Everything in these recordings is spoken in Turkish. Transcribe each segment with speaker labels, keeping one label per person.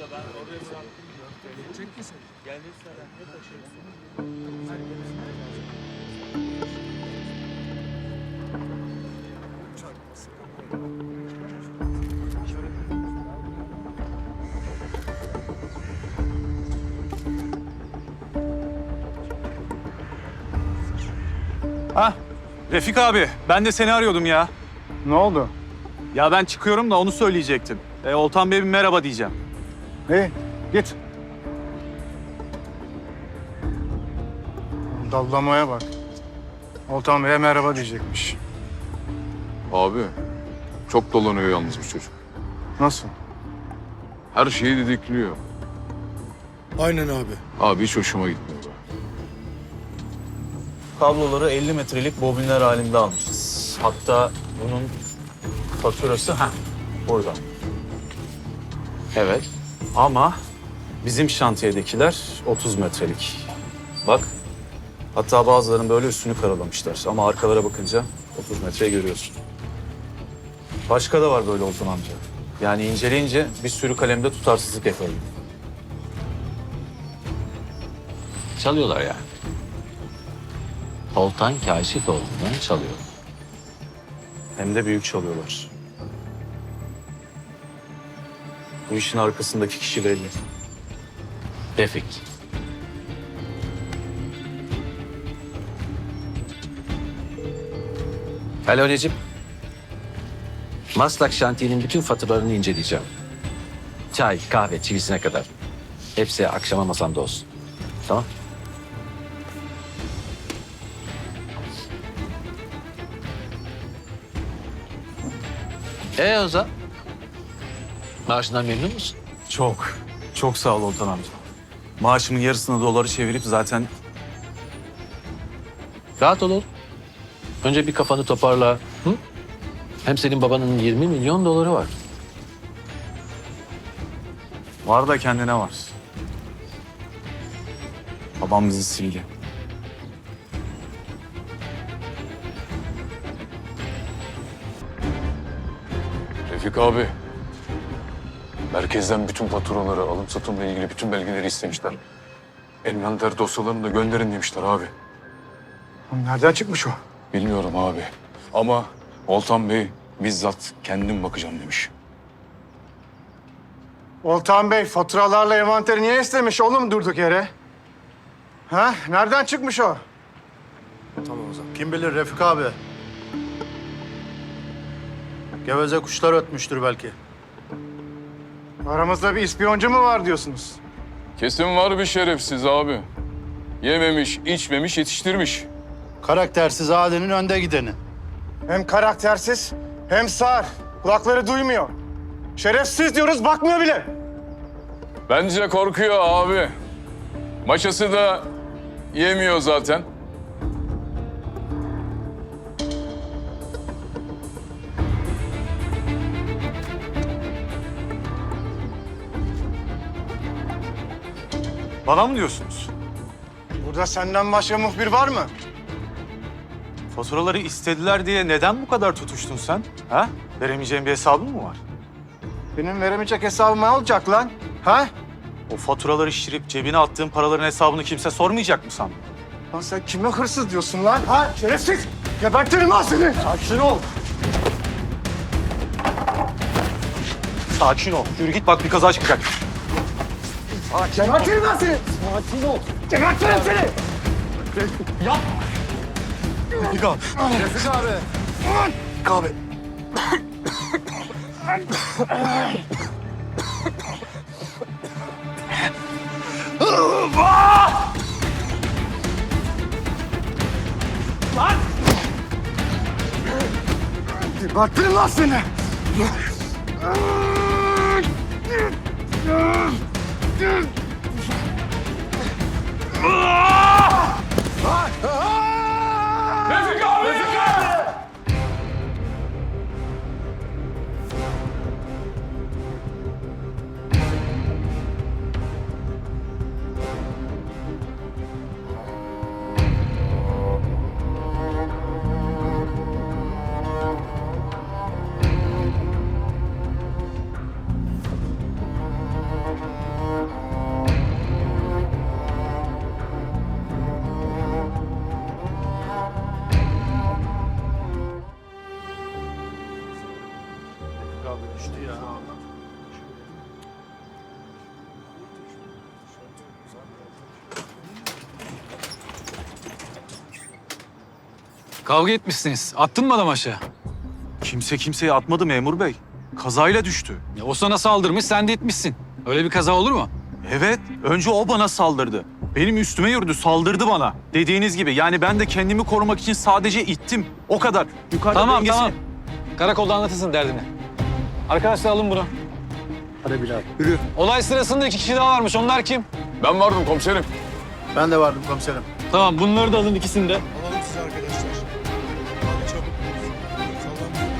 Speaker 1: Ha, Refik abi, ben de seni arıyordum ya.
Speaker 2: Ne oldu?
Speaker 1: Ya ben çıkıyorum da onu söyleyecektim. Oltan Bey'e bir merhaba diyeceğim.
Speaker 2: İyi, git. Dallamaya bak. Oltan Bey'e merhaba diyecekmiş.
Speaker 3: Abi, çok dolanıyor yalnız bu çocuk.
Speaker 2: Nasıl?
Speaker 3: Her şeyi didikliyor.
Speaker 4: Aynen abi.
Speaker 3: Abi hiç hoşuma gitmiyor.
Speaker 1: Kabloları 50 metrelik bobinler halinde almışız. Hatta bunun faturası burada. Evet. Ama bizim şantiyedekiler 30 metrelik. Bak. Hatta bazılarının böyle üstünü karalamışlar. Ama arkalara bakınca 30 metreyi görüyorsun. Başka da var böyle Oltan amca. Yani inceleyince bir sürü kalemde tutarsızlık yakaladım.
Speaker 5: Çalıyorlar yani. Oltan Kaşifoğlu'ndan çalıyor.
Speaker 1: Hem de büyük çalıyorlar. Bu işin arkasındaki kişi belli.
Speaker 5: Refik. Alo Recep. Maslak şantiyenin bütün faturalarını inceleyeceğim. Çay, kahve, çivisine kadar. Hepsi akşama masamda olsun. Tamam? Ozan? Maaşından memnun musun?
Speaker 1: Çok, çok sağ ol Oltan amca. Maaşımın yarısını doları çevirip zaten
Speaker 5: Rahat ol oğlum. Önce bir kafanı toparla. Hı? Hem senin babanın 20 milyon doları var.
Speaker 1: var da kendine var. Babam bizi sildi.
Speaker 3: Refik abi, merkezden bütün faturaları, alım satımla ilgili bütün belgeleri istemişler. Envanter dosyalarını da gönderin demişler abi.
Speaker 2: Nereden çıkmış o?
Speaker 3: Bilmiyorum abi. Ama Oltan Bey bizzat kendim bakacağım demiş.
Speaker 2: Oltan Bey faturalarla envanteri niye istemiş oğlum durduk yere? Ha? Nereden çıkmış o?
Speaker 4: Tamam o zaman. Kim bilir Refik abi. Geveze kuşlar ötmüştür belki.
Speaker 2: Aramızda bir ispiyoncu mu var diyorsunuz?
Speaker 3: Kesin var bir şerefsiz abi. Yememiş, içmemiş, yetiştirmiş.
Speaker 4: Karaktersiz ailenin önde gideni.
Speaker 2: Hem karaktersiz hem sağır. Kulakları duymuyor. Şerefsiz diyoruz bakmıyor bile.
Speaker 3: Bence korkuyor abi. Maşası da yemiyor zaten.
Speaker 1: Bana mı diyorsunuz?
Speaker 2: Burada senden başka muhbir var mı?
Speaker 1: Faturaları istediler diye neden bu kadar tutuştun sen? Ha? Veremeyeceğin bir hesabın mı var?
Speaker 2: Benim veremeyecek hesabımı alacak lan. Ha?
Speaker 1: O faturaları şişirip cebine attığın paraların hesabını kimse sormayacak mı sandın?
Speaker 2: Lan sen kime hırsız diyorsun lan? Ha? Şerefsiz! Gebertirim lan seni!
Speaker 1: Sakin ol. Sakin ol. Yürü git bak bir kaza çıkacak.
Speaker 2: Gebertirim lan seni!
Speaker 1: Sakin ol.
Speaker 2: Gebertirim seni!
Speaker 1: Yap. Refik abi.
Speaker 2: Refik abi! Refik abi!
Speaker 1: Lan!
Speaker 2: Gebertirim lan seni!
Speaker 3: Refik abi! Refik abi!
Speaker 4: abi düştü ya.
Speaker 6: Kavga etmişsiniz. Attın mı adam aşağı?
Speaker 1: Kimse kimseye atmadı memur bey. Kazayla düştü.
Speaker 6: Ya o sana saldırmış, sen de itmişsin. Öyle bir kaza olur mu?
Speaker 1: Evet, önce o bana saldırdı. Benim üstüme yürüdü, saldırdı bana. Dediğiniz gibi yani ben de kendimi korumak için sadece ittim. O kadar. Yukarıda
Speaker 6: Tamam,
Speaker 1: dengesi-
Speaker 6: tamam. Karakolda anlatırsın derdini. Arkadaşlar alın bunu.
Speaker 4: Hadi Bilal.
Speaker 6: Olay sırasında 2 kişi daha varmış. Onlar kim?
Speaker 3: Ben vardım komiserim.
Speaker 4: Ben de vardım komiserim.
Speaker 6: Tamam, bunları da alın ikisini de.
Speaker 7: Alalım sizi arkadaşlar. Hadi çabuk. Sallanmayın.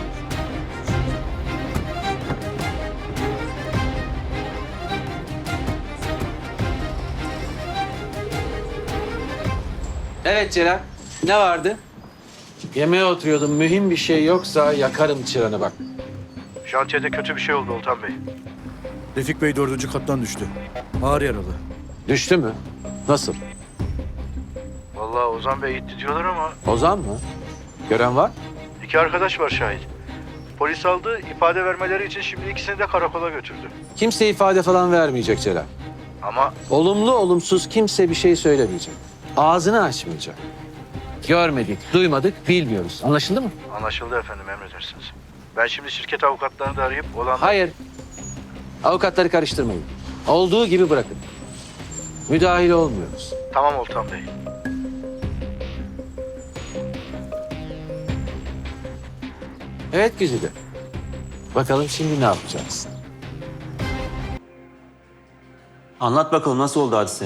Speaker 5: Evet Celal. Ne vardı? Yemeğe oturuyordum. Mühim bir şey yoksa yakarım çıranı bak.
Speaker 4: Şantiyede kötü bir şey oldu Oltan Bey.
Speaker 7: Refik Bey 4. kattan düştü. Ağır yaralı.
Speaker 5: Düştü mü? Nasıl?
Speaker 4: Vallahi Ozan Bey gitti diyorlar ama
Speaker 5: Ozan mı? Gören var?
Speaker 4: 2 arkadaş var şahit. Polis aldı, ifade vermeleri için şimdi ikisini de karakola götürdü.
Speaker 5: Kimse ifade falan vermeyecek Celal.
Speaker 4: Ama
Speaker 5: Olumlu olumsuz kimse bir şey söylemeyecek. Ağzını açmayacak. Görmedik, duymadık, bilmiyoruz. Anlaşıldı mı?
Speaker 4: anlaşıldı efendim, emredersiniz. Ben şimdi şirket avukatlarını da arayıp olan...
Speaker 5: Hayır. Avukatları karıştırmayın. Olduğu gibi bırakın. Müdahil olmuyoruz.
Speaker 4: Tamam Oltan Bey.
Speaker 5: Evet Güzide. Bakalım şimdi ne yapacaksın?
Speaker 8: Anlat bakalım nasıl oldu hadise?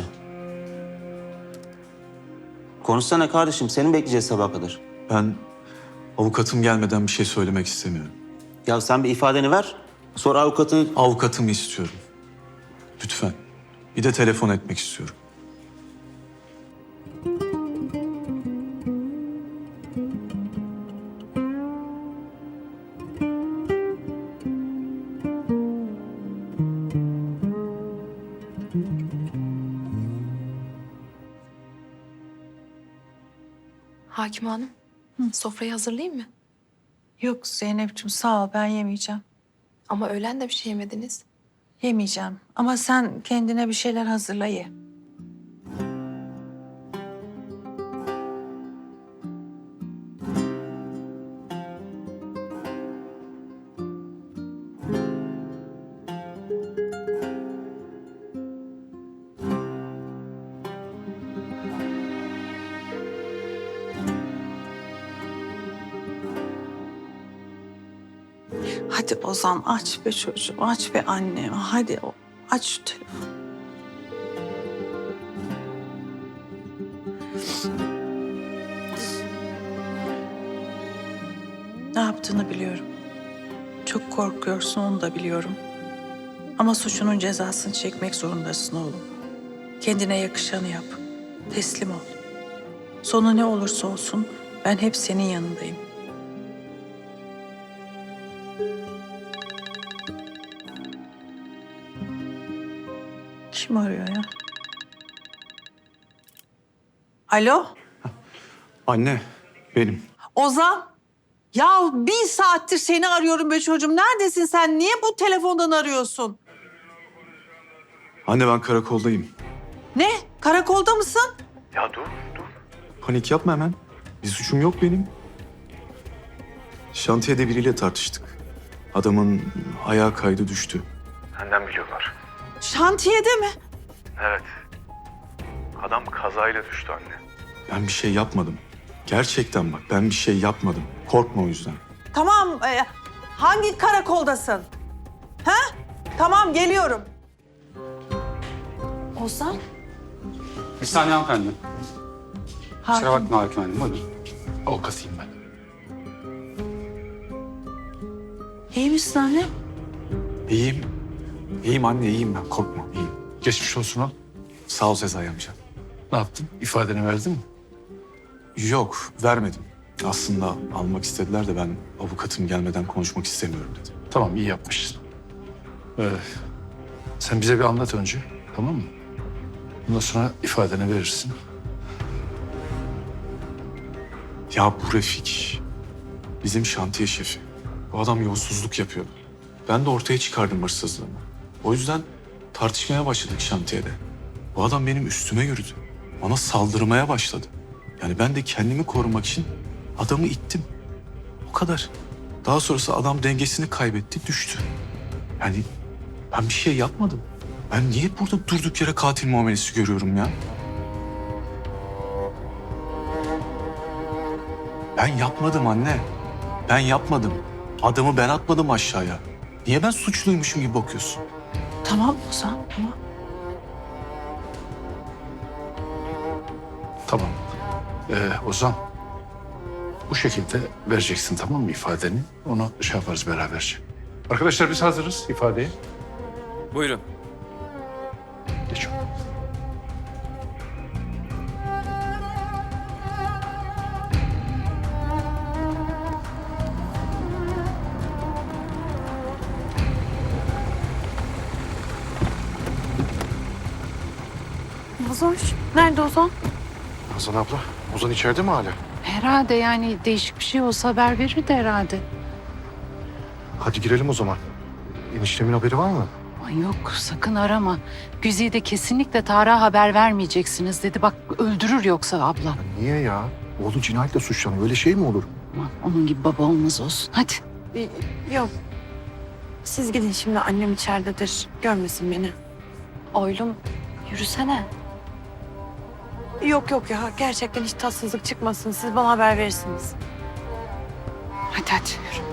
Speaker 8: Konuşsana kardeşim, seni bekleyeceğiz sabaha kadar.
Speaker 1: Ben avukatım gelmeden bir şey söylemek istemiyorum.
Speaker 8: Ya sen bir ifadeni ver, sonra avukatın...
Speaker 1: Avukatımı istiyorum. Lütfen. Bir de telefon etmek istiyorum.
Speaker 9: Hakim Hanım, sofrayı hazırlayayım mı?
Speaker 10: Yok Zeynep'ciğim sağ ol ben yemeyeceğim.
Speaker 9: Ama öğlen de bir şey yemediniz.
Speaker 10: Yemeyeceğim ama sen kendine bir şeyler hazırla ye. Hadi Ozan aç be çocuğum, aç be annem. Hadi aç şu telefonu. Ne yaptığını biliyorum. Çok korkuyorsun, onu da biliyorum. Ama suçunun cezasını çekmek zorundasın oğlum. Kendine yakışanı yap. Teslim ol. Sonu ne olursa olsun ben hep senin yanındayım. Kim arıyor ya? Alo?
Speaker 1: Anne, benim.
Speaker 10: Ozan? Ya 1 saattir seni arıyorum be çocuğum. Neredesin sen? Niye bu telefondan arıyorsun?
Speaker 1: Anne ben karakoldayım.
Speaker 10: Ne? Karakolda mısın?
Speaker 1: Panik yapma hemen. Bir suçum yok benim. Şantiyede biriyle tartıştık. Adamın ayağı kaydı düştü.
Speaker 10: Şantiyede mi?
Speaker 1: Adam kazayla düştü anne. Ben bir şey yapmadım. Gerçekten bak ben bir şey yapmadım. Korkma o yüzden.
Speaker 10: Tamam. Hangi karakoldasın? Ha? Tamam geliyorum. Ozan?
Speaker 6: Bir saniye hanımefendi. Kusura
Speaker 10: Hakim.
Speaker 6: bakma Hakim Hanım. Buyurun. Avukatıyım ben.
Speaker 10: İyi misin anne?
Speaker 1: İyiyim. İyiyim anne iyiyim ben. Korkma iyiyim.
Speaker 6: Geçmiş olsun al.
Speaker 1: Sağ ol Sezai amca.
Speaker 6: Ne yaptın? İfadeni verdin mi?
Speaker 1: Yok vermedim. Aslında almak istediler de ben avukatım gelmeden konuşmak istemiyorum dedim.
Speaker 6: Tamam, iyi yapmışsın. Sen bize bir anlat önce, tamam mı? Ondan sonra ifadeni verirsin.
Speaker 1: Ya bu Refik bizim şantiye şefi. Bu adam yolsuzluk yapıyordu.
Speaker 11: Ben de ortaya çıkardım hırsızlığımı. O yüzden tartışmaya başladık şantiyede. Bu adam benim üstüme yürüdü. Bana saldırmaya başladı. Yani ben de kendimi korumak için adamı ittim. O kadar. Daha sonrası adam dengesini kaybetti, düştü. Yani ben bir şey yapmadım. Ben niye burada durduk yere katil muamelesi görüyorum ya? Ben yapmadım anne. Ben yapmadım. Adamı ben atmadım aşağıya. Niye ben suçluymuşum gibi bakıyorsun?
Speaker 10: Tamam Ozan, tamam.
Speaker 6: Tamam. Ozan, bu şekilde vereceksin tamam mı ifadeni? Onu şey yaparız beraberce. Arkadaşlar biz hazırız ifadeye.
Speaker 5: Buyurun.
Speaker 6: Geç.
Speaker 12: Nazoş, nerede Ozan?
Speaker 2: Hasan abla, Ozan içeride mi hala?
Speaker 12: Herhalde yani değişik bir şey olsa haber verirdi herhalde.
Speaker 2: Hadi girelim o zaman. Eniştemin haberi var mı?
Speaker 12: Ay yok sakın arama. Güzide kesinlikle Tarık'a haber vermeyeceksiniz dedi. Bak öldürür yoksa abla.
Speaker 2: Niye ya? Oğlu cinayetle suçlanıyor. Öyle şey mi olur?
Speaker 12: Aman, onun gibi baba olmaz olsun. Hadi.
Speaker 9: Yok. Siz gidin şimdi, annem içeridedir. Görmesin beni. Oylum, yürüsene. Yok yok ya, gerçekten hiç tatsızlık çıkmasın. Siz bana haber verirsiniz.
Speaker 12: Hadi hadi yürü.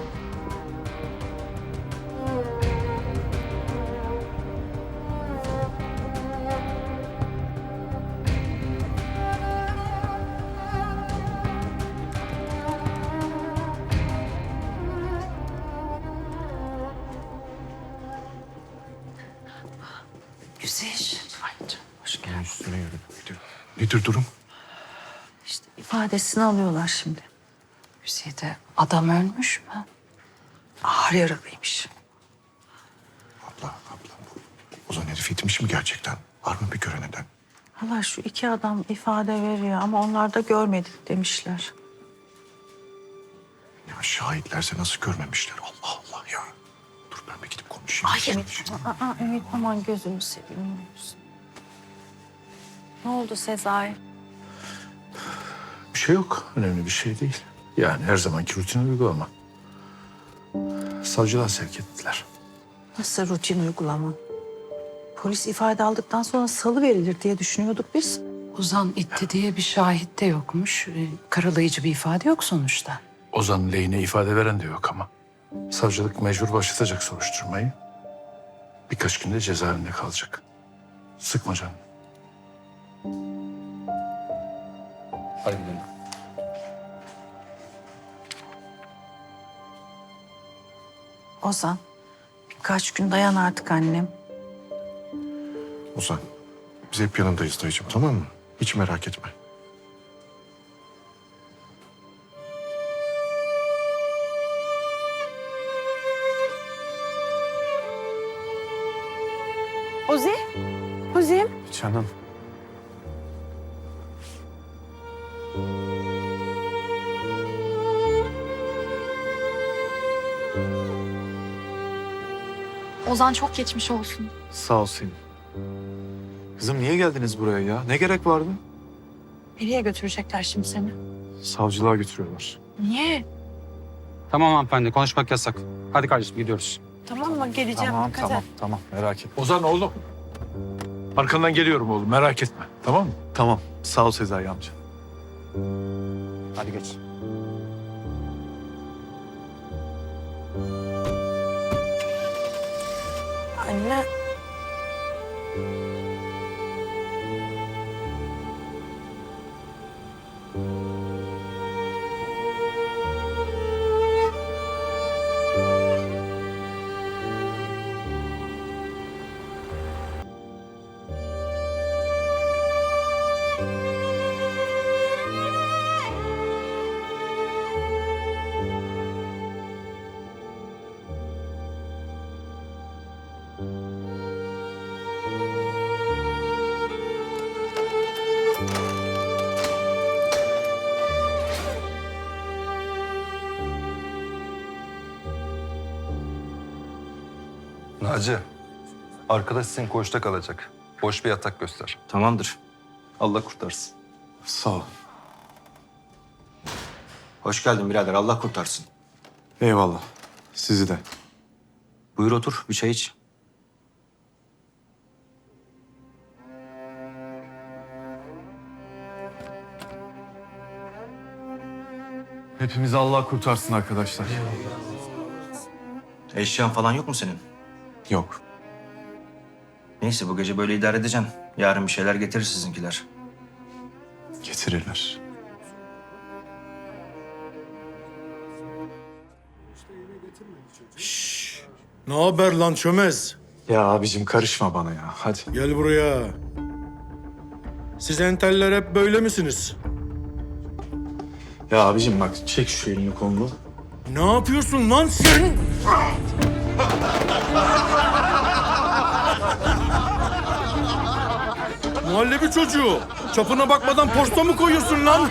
Speaker 12: Güzel. Ay canım, hoş geldin.
Speaker 2: Üstüne yürü. Nedir durum?
Speaker 10: İşte ifadesini alıyorlar şimdi.
Speaker 12: Güzide adam ölmüş mü?
Speaker 10: Ağır yaralıymış.
Speaker 2: Abla. Ozan herif itmiş mi gerçekten? Var mı bir gören eden?
Speaker 10: Hala şu iki adam ifade veriyor ama onlar da görmedik demişler.
Speaker 2: Ya şahitlerse nasıl görmemişler? Allah Allah ya. Dur ben bir gidip konuşayım.
Speaker 10: Ay Ümit, Ümit aman gözünü seveyim.
Speaker 9: Ne oldu Sezai?
Speaker 6: Bir şey yok. Önemli bir şey değil. Yani her zamanki rutin uygulama. Savcılığa sevk ettiler.
Speaker 10: Nasıl rutin uygulama? Polis ifade aldıktan sonra salı verilir diye düşünüyorduk biz.
Speaker 12: Ozan itti diye bir şahit de yokmuş. Karalayıcı bir ifade yok sonuçta.
Speaker 6: Ozan'ın lehine ifade veren de yok ama. Savcılık mecbur başlatacak soruşturmayı. Birkaç günde cezaevinde kalacak. Sıkma canını. Hadi gidelim.
Speaker 10: Ozan, birkaç gün dayan artık annem.
Speaker 2: Ozan, biz hep yanındayız dayıcığım, tamam mı? Hiç merak etme.
Speaker 9: Ozi? Ozi'm?
Speaker 1: Canım.
Speaker 9: Ozan çok geçmiş olsun.
Speaker 1: Sağ ol Selin. Kızım niye geldiniz buraya ya? Ne gerek vardı?
Speaker 9: Nereye götürecekler şimdi seni?
Speaker 1: Savcılığa götürüyorlar.
Speaker 9: Niye?
Speaker 5: Tamam hanımefendi, konuşmak yasak. Hadi kardeşim gidiyoruz.
Speaker 9: Tamam mı? Geleceğim. Dikkat et.
Speaker 1: Tamam merak etme.
Speaker 6: Ozan oğlum. Arkandan geliyorum oğlum merak etme. Tamam mı?
Speaker 1: Tamam sağ ol Sezai amca. Hadi geç.
Speaker 9: Anne.
Speaker 7: Naci, arkadaş senin koğuşta kalacak. Boş bir yatak göster.
Speaker 8: Tamamdır.
Speaker 7: Allah kurtarsın.
Speaker 11: Sağ ol.
Speaker 8: Hoş geldin birader. Allah kurtarsın.
Speaker 11: Eyvallah. Sizi de.
Speaker 8: Buyur otur. Bir çay iç.
Speaker 11: Hepimizi Allah kurtarsın arkadaşlar.
Speaker 8: Eşyan falan yok mu senin?
Speaker 11: Yok.
Speaker 8: Neyse bu gece böyle idare edeceksin. Yarın bir şeyler getirir sizinkiler.
Speaker 11: Getirirler.
Speaker 7: Ne haber lan çömez?
Speaker 11: Ya abicim karışma bana ya. Hadi.
Speaker 7: Gel buraya. Siz enteller hep böyle misiniz?
Speaker 11: Ya abicim bak çek şu elini kolunu.
Speaker 7: Ne yapıyorsun lan sen? Muhallebi çocuğu. Çapına bakmadan posta mı koyuyorsun lan?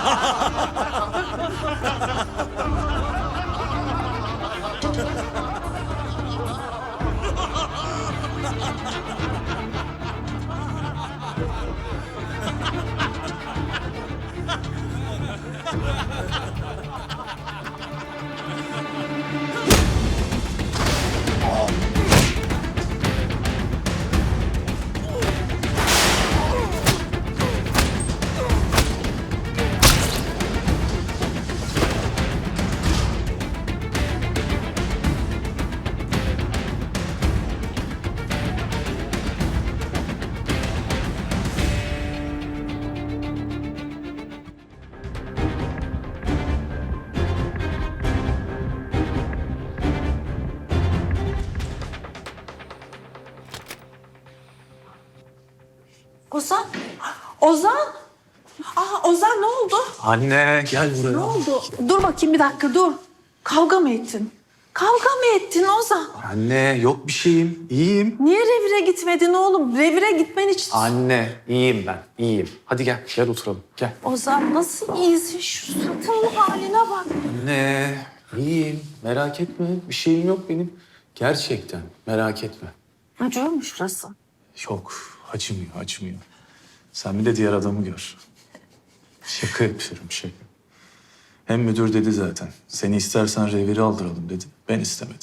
Speaker 10: Ozan. Ozan. Ozan ne oldu?
Speaker 11: Anne gel buraya.
Speaker 10: Ne oldu? Dur bakayım bir dakika dur. Kavga mı ettin? Kavga mı ettin Ozan?
Speaker 11: Anne yok bir şeyim. İyiyim.
Speaker 10: Niye revire gitmedin oğlum? Revire gitmen için...
Speaker 11: Anne iyiyim ben. İyiyim. Hadi gel. Gel oturalım. Gel.
Speaker 10: Ozan nasıl iyisin? Şu suratının haline bak.
Speaker 11: Anne iyiyim. Merak etme. Bir şeyim yok benim. Gerçekten merak etme.
Speaker 10: Acıyor mu şurası?
Speaker 11: Yok. Acımıyor, acımıyor. Sen bir de diğer adamı gör. Şaka yapıyorum, şaka. Hem müdür dedi zaten. Seni istersen reviri aldıralım dedi. Ben istemedim.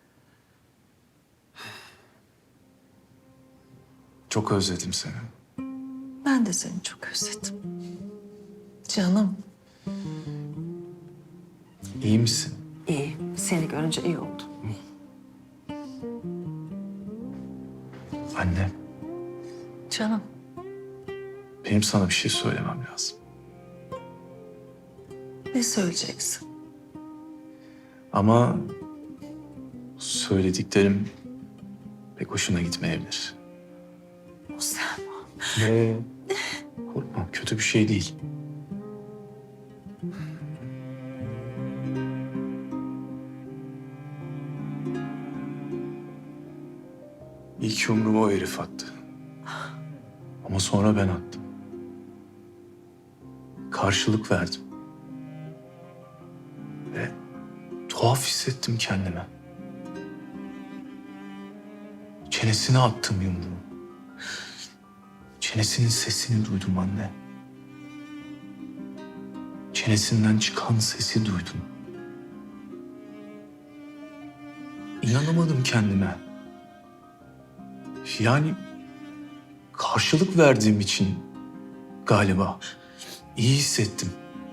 Speaker 11: Çok özledim seni.
Speaker 10: Ben de seni çok özledim. Canım.
Speaker 11: İyi misin?
Speaker 10: İyi. Seni görünce iyi oldu.
Speaker 11: Anne,
Speaker 10: Canım.
Speaker 11: benim sana bir şey söylemem lazım.
Speaker 10: Ne söyleyeceksin?
Speaker 11: Ama söylediklerim pek hoşuna gitmeyebilir.
Speaker 10: Ozan.
Speaker 11: Korkma, kötü bir şey değil. İlk yumruğumu o herif attı. Ama sonra ben attım. Karşılık verdim. Ve tuhaf hissettim kendime. Çenesine attım yumruğu. Çenesinin sesini duydum anne. Çenesinden çıkan sesi duydum. İnanamadım kendime. Yani karşılık verdiğim için galiba iyi hissettim.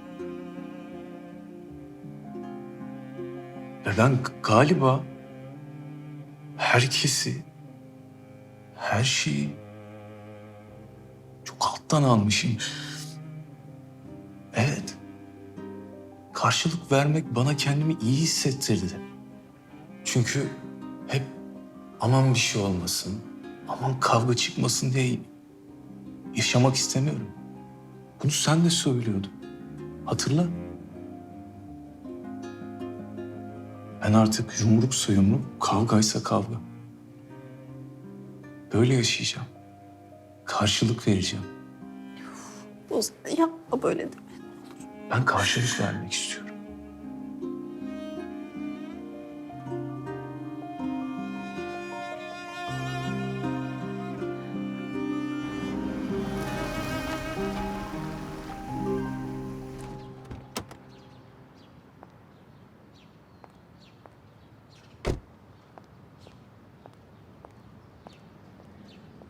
Speaker 11: Ve ben galiba herkesi, her şeyi çok alttan almışım. Evet. Karşılık vermek bana kendimi iyi hissettirdi. Çünkü hep aman bir şey olmasın, aman kavga çıkmasın diye yaşamak istemiyorum. Bunu sen de söylüyordun. Hatırla. Ben artık yumruksa yumruk, kavgaysa kavga. Böyle yaşayacağım. Karşılık vereceğim.
Speaker 10: Ozan yapma böyle deme.
Speaker 11: Ben karşılık vermek istiyorum.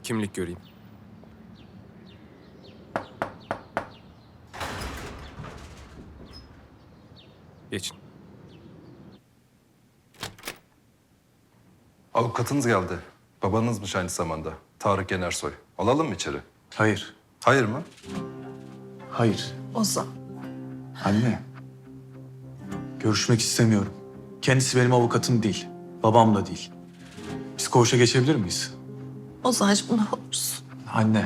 Speaker 7: Kimlik göreyim. Geçin.
Speaker 13: Avukatınız geldi. Babanızmış aynı zamanda. Tarık Yenersoy. Alalım mı içeri?
Speaker 11: Hayır.
Speaker 13: Hayır mı?
Speaker 11: Hayır.
Speaker 9: Ozan.
Speaker 11: Anne. Görüşmek istemiyorum. Kendisi benim avukatım değil. Babam da değil. Biz koğuşa geçebilir miyiz?
Speaker 9: Ozancığım ne olursun.
Speaker 11: Anne.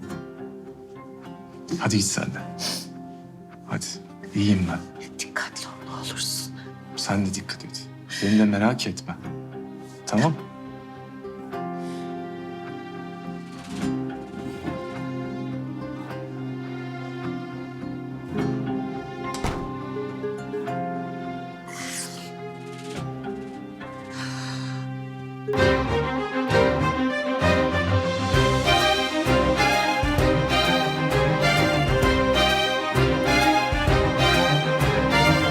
Speaker 11: Hadi git sen de. Hadi. İyiyim ben.
Speaker 9: Dikkatli ol ne olursun.
Speaker 11: Sen de dikkat et. Beni de merak etme. Tamam?